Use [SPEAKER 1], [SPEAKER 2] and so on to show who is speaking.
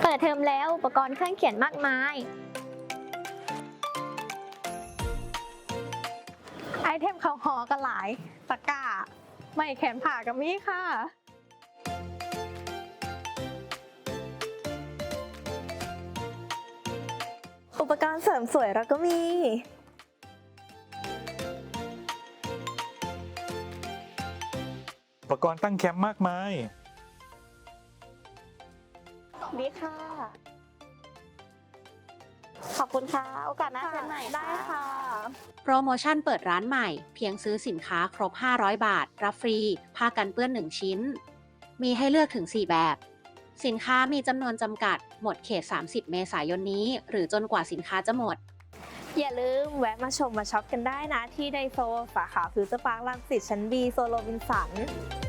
[SPEAKER 1] เปิดเทอมแล้วอุปกรณ์เครื่องเขียนมากมาย
[SPEAKER 2] ไอเทมเขาหอกันหลายตะกร้าไม่แขนผ่ากับมี่ค่ะ
[SPEAKER 3] อุปกรณ์เสริมสวยเราก็มี
[SPEAKER 4] อุปกรณ์ตั้งแคมป์มากมาย
[SPEAKER 3] ดีค่ะ ขอบคุณค่ะ โอกาสหน้าเจอใหม่ได้ค่ะ
[SPEAKER 5] โปรโมชั่นเปิดร้านใหม่เพียงซื้อสินค้าครบ 500 บาท รับฟรี ผ้ากันเปื้อน 1 ชิ้น มีให้เลือกถึง 4 แบบ สินค้ามีจำนวนจำกัด หมดเขต 30 เมษายนนี้ หรือจนกว่าสินค้าจะหมด
[SPEAKER 3] อย่าลืมแวะมาชมมาช็อปกันได้นะที่ไดโซสาขาฟิวเจอร์พาร์ครังสิตชั้น B โซนโรบินสัน